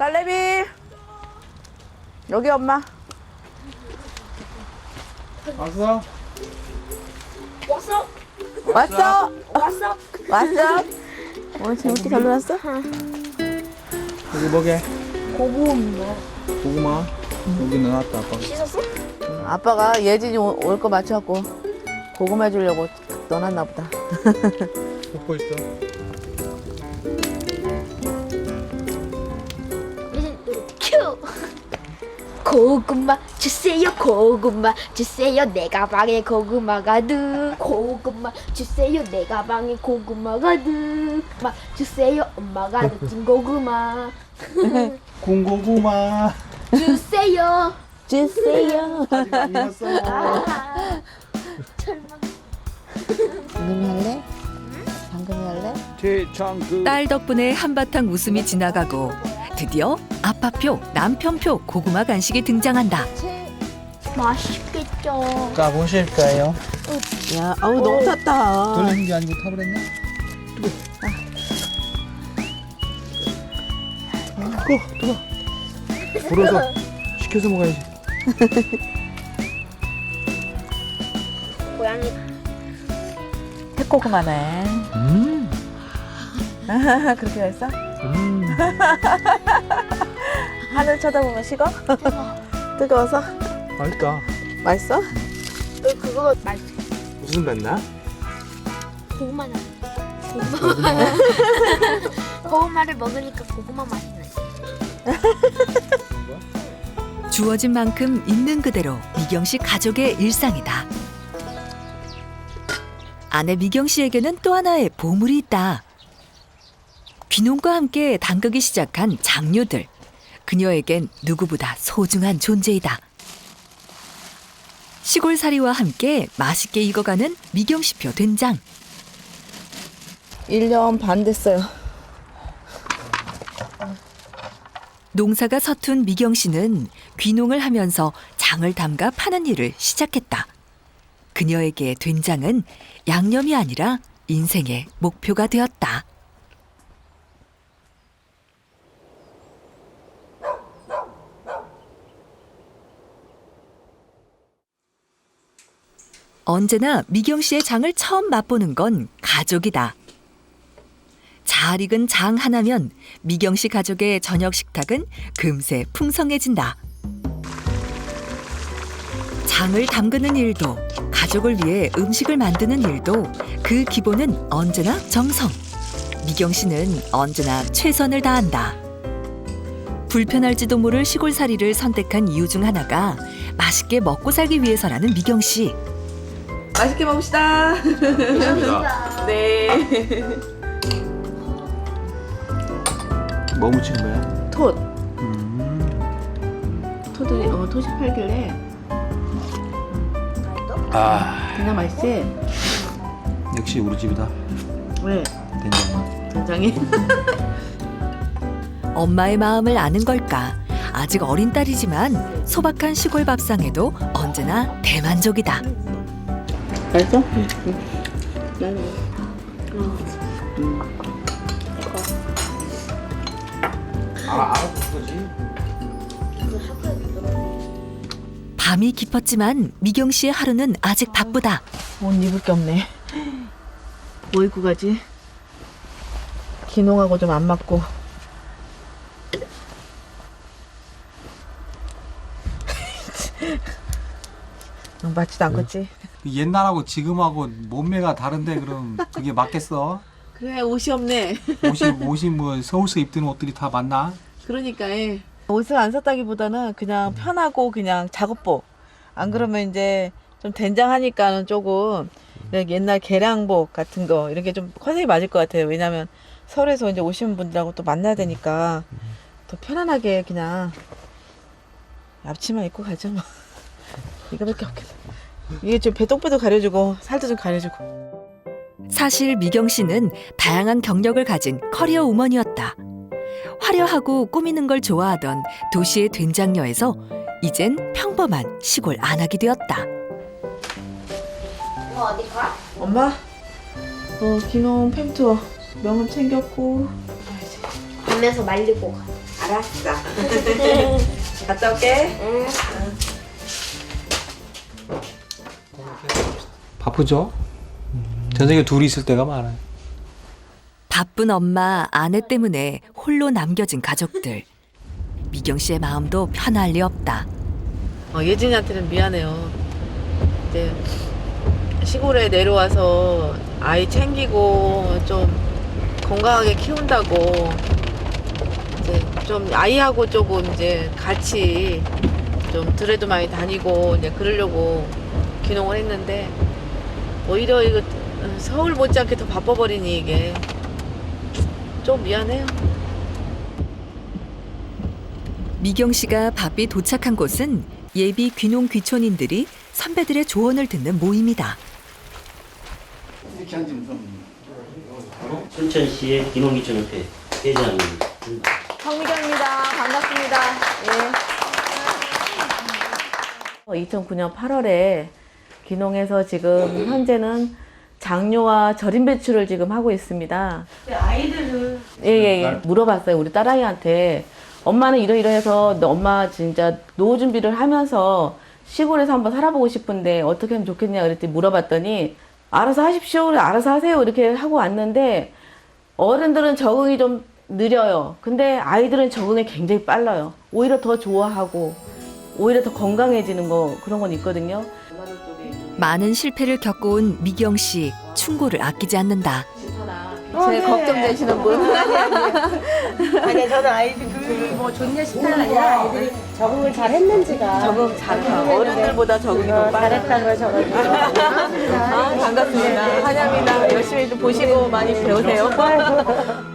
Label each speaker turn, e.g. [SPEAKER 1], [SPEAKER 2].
[SPEAKER 1] 딸내미 여기 엄마.
[SPEAKER 2] 왔어?
[SPEAKER 3] 왔어?
[SPEAKER 1] 왔어?
[SPEAKER 3] 왔어?
[SPEAKER 1] 왔어? 오늘 재밌게 잘 놀았어?
[SPEAKER 2] 여기 뭐게?
[SPEAKER 3] 고구마.
[SPEAKER 2] 고구마? 여기 넣어놨다 아빠가.
[SPEAKER 3] 씻었어?
[SPEAKER 1] 아빠가 예진이 올 거 맞춰갖고 고구마 주려고 넣어놨나 보다.
[SPEAKER 2] 먹고 있어.
[SPEAKER 3] 큐! 고구마 주세요, 고구마 주세요, 내 가방에 고구마 가득. 고구마 주세요, 내 가방에 고구마 가득. 마 주세요, 엄마가 넣은 고구마.
[SPEAKER 2] 군고구마.
[SPEAKER 3] 주세요.
[SPEAKER 1] 주세요.
[SPEAKER 2] 아직 안 익었어.
[SPEAKER 1] 방금이 할래? 방금이 할래?
[SPEAKER 2] 최창그.
[SPEAKER 4] 딸 덕분에 한바탕 웃음이 지나가고 드디어 아빠표, 남편표 고구마 간식이 등장한다.
[SPEAKER 3] 맛있겠죠.
[SPEAKER 2] 자 보실 거예요.
[SPEAKER 1] 야, 아우 너무 탔다.
[SPEAKER 2] 돌리는 게 아니고 타버렸네. 뜨거. 불어서 식혀서 먹어야지.
[SPEAKER 3] 고양이
[SPEAKER 1] 새고구마네. 그렇게 했어? 하늘 쳐다보면 식어? 뜨거워서?
[SPEAKER 2] 맛있다.
[SPEAKER 1] 맛있어?
[SPEAKER 3] 그거 맛있어.
[SPEAKER 2] 무슨 뱉나?
[SPEAKER 3] 고구마는 고구마를 먹으니까 고구마 맛이 나.
[SPEAKER 4] 주어진 만큼 있는 그대로 미경 씨 가족의 일상이다. 아내 미경 씨에게는 또 하나의 보물이 있다. 귀농과 함께 담그기 시작한 장류들. 그녀에겐 누구보다 소중한 존재이다. 시골살이와 함께 맛있게 익어가는 미경 씨표 된장.
[SPEAKER 1] 1년 반 됐어요.
[SPEAKER 4] 농사가 서툰 미경 씨는 귀농을 하면서 장을 담가 파는 일을 시작했다. 그녀에게 된장은 양념이 아니라 인생의 목표가 되었다. 언제나 미경 씨의 장을 처음 맛보는 건 가족이다. 잘 익은 장 하나면 미경 씨 가족의 저녁 식탁은 금세 풍성해진다. 장을 담그는 일도, 가족을 위해 음식을 만드는 일도 그 기본은 언제나 정성. 미경 씨는 언제나 최선을 다한다. 불편할지도 모를 시골살이를 선택한 이유 중 하나가 맛있게 먹고 살기 위해서라는 미경 씨.
[SPEAKER 1] 맛있게 먹읍시다. 네.
[SPEAKER 2] 뭐 묻히는 거야?
[SPEAKER 1] 톳. 톳이 팔길래
[SPEAKER 2] 아
[SPEAKER 1] 그냥 맛있지?
[SPEAKER 2] 역시 우리 집이다.
[SPEAKER 1] 왜?
[SPEAKER 2] 된장.
[SPEAKER 1] 된장이?
[SPEAKER 4] 엄마의 마음을 아는 걸까? 아직 어린 딸이지만 소박한 시골 밥상에도 언제나 대만족이다.
[SPEAKER 1] 맛있어?
[SPEAKER 2] 알았어 거지.
[SPEAKER 4] 밤이 깊었지만 미경 씨의 하루는 아직 바쁘다.
[SPEAKER 1] 옷 입을 게 없네. 뭐 입고 가지? 기농하고 좀 안 맞고. 맞지도 않겠지?
[SPEAKER 2] 옛날하고 지금하고 몸매가 다른데 그럼 그게 맞겠어?
[SPEAKER 1] 그래, 옷이 없네.
[SPEAKER 2] 옷이 뭐 서울서 입던 옷들이 다 맞나?
[SPEAKER 1] 그러니까 옷을 안 샀다기보다는 그냥 편하고 그냥 작업복. 안 그러면 이제 좀 된장하니까는 조금 옛날 개량복 같은 거 이런 게 좀 컨셉이 맞을 것 같아요. 왜냐면 서울에서 이제 오시는 분들하고 또 만나야 되니까 더 편안하게 그냥 앞치마 입고 가죠 뭐. 이거밖에 없겠어. 이게 좀 배똥배도 가려주고 살도 좀 가려주고.
[SPEAKER 4] 사실 미경 씨는 다양한 경력을 가진 커리어 우먼이었다. 화려하고 꾸미는 걸 좋아하던 도시의 된장녀에서 이젠 평범한 시골 안악이 되었다.
[SPEAKER 3] 이거 어디 가?
[SPEAKER 1] 엄마, 기농 팸투어 명함 챙겼고.
[SPEAKER 3] 밤에서 말리고 가.
[SPEAKER 1] 알았어. 갔다 올게.
[SPEAKER 2] 바쁘죠? 저녁에 둘이 있을 때가 많아요.
[SPEAKER 4] 바쁜 엄마, 아내 때문에 홀로 남겨진 가족들. 미경 씨의 마음도 편할 리 없다.
[SPEAKER 1] 예진이한테는 미안해요. 이제 시골에 내려와서 아이 챙기고 좀 건강하게 키운다고 이제 좀 아이하고 조금 이제 같이 좀 들에도 많이 다니고 이제 그러려고 귀농을 했는데 오히려 이거 서울 못지않게 더 바빠버리니 이게 좀 미안해요.
[SPEAKER 4] 미경 씨가 바삐 도착한 곳은 예비 귀농 귀촌인들이 선배들의 조언을 듣는 모임이다.
[SPEAKER 5] 순천시의 귀농귀촌협회 회장입니다.
[SPEAKER 1] 성미경입니다. 반갑습니다. 예. 2009년 8월에 귀농해서 지금 현재는 장료와 절임 배추를 지금 하고 있습니다. 아이들을 예. 물어봤어요. 우리 딸아이한테 엄마는 이러이러해서 엄마 진짜 노후 준비를 하면서 시골에서 한번 살아보고 싶은데 어떻게 하면 좋겠냐 그랬더니 물어봤더니 알아서 하십시오. 알아서 하세요. 이렇게 하고 왔는데 어른들은 적응이 좀 느려요. 근데 아이들은 적응이 굉장히 빨라요. 오히려 더 좋아하고 오히려 더 건강해지는 거 그런 건 있거든요.
[SPEAKER 4] 많은 실패를 겪어온 미경 씨, 충고를 아끼지 않는다.
[SPEAKER 1] 제일 걱정되시는 분.
[SPEAKER 6] 아니 저는 아이들이 뭐 좋냐 싶다는 아니라 아이들이 적응을 잘 했는지가
[SPEAKER 1] 적응 잘해요. 어른들보다 적응이 더 빨라요.
[SPEAKER 6] 잘했다는 걸 적어주고
[SPEAKER 1] 반갑습니다. 환영합니다. 열심히 좀 보시고 많이 배우세요.